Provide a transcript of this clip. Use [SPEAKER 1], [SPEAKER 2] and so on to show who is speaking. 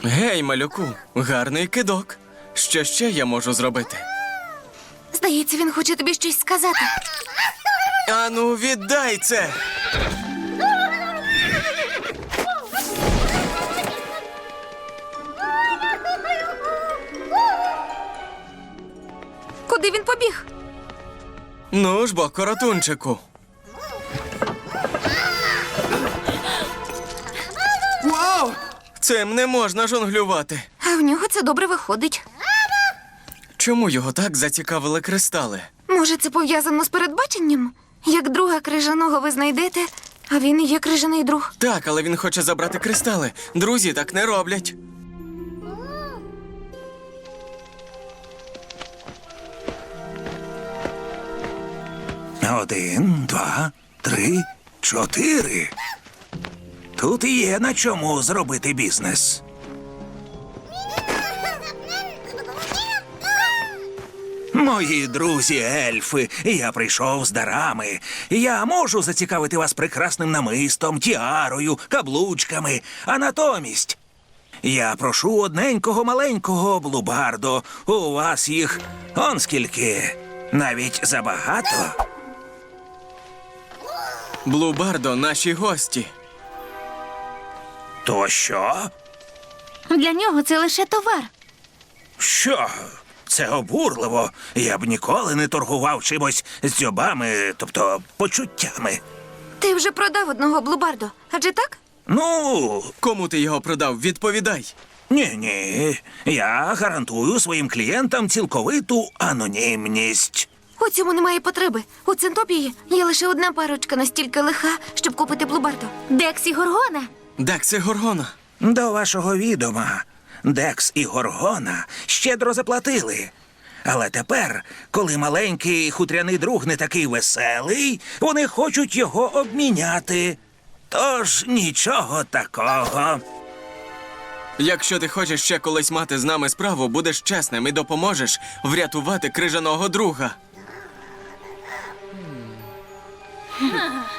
[SPEAKER 1] Гей, малюку, гарний кидок. Що ще я можу зробити?
[SPEAKER 2] Здається, він хоче тобі щось сказати.
[SPEAKER 1] Ану, віддай це!
[SPEAKER 2] Куди він побіг?
[SPEAKER 1] Ну ж бо, коротунчику. Вау! Цим не можна жонглювати.
[SPEAKER 2] А в нього це добре виходить.
[SPEAKER 1] Чому його так зацікавили кристали?
[SPEAKER 2] Може, це пов'язано з передбаченням? Як друга крижаного ви знайдете, а він і є крижаний друг.
[SPEAKER 1] Так, але він хоче забрати кристали. Друзі так не роблять.
[SPEAKER 3] Один, два, три, чотири. Тут є на чому зробити бізнес. Мої друзі ельфи, я прийшов з дарами. Я можу зацікавити вас прекрасним намистом, тіарою, каблучками. А натомість я прошу одненького маленького блубардо. У вас їх он скільки. Навіть забагато.
[SPEAKER 1] Блубардо, наші гості.
[SPEAKER 3] То що?
[SPEAKER 2] Для нього це лише товар.
[SPEAKER 3] Що? Це обурливо. Я б ніколи не торгував чимось з дзьобами, тобто почуттями.
[SPEAKER 2] Ти вже продав одного блубардо, адже так?
[SPEAKER 3] Ну,
[SPEAKER 1] Кому ти його продав? Відповідай.
[SPEAKER 3] ні. Я гарантую своїм клієнтам цілковиту анонімність.
[SPEAKER 2] У цьому немає потреби. У Центопії є лише одна парочка настільки лиха, щоб купити блубардо. Декс і Горгона.
[SPEAKER 1] Декс і Горгона.
[SPEAKER 3] До вашого відома, Декс і Горгона щедро заплатили. Але тепер, коли маленький хутряний друг не такий веселий, вони хочуть його обміняти. Тож нічого такого.
[SPEAKER 1] Якщо ти хочеш ще колись мати з нами справу, будеш чесним і допоможеш врятувати крижаного друга.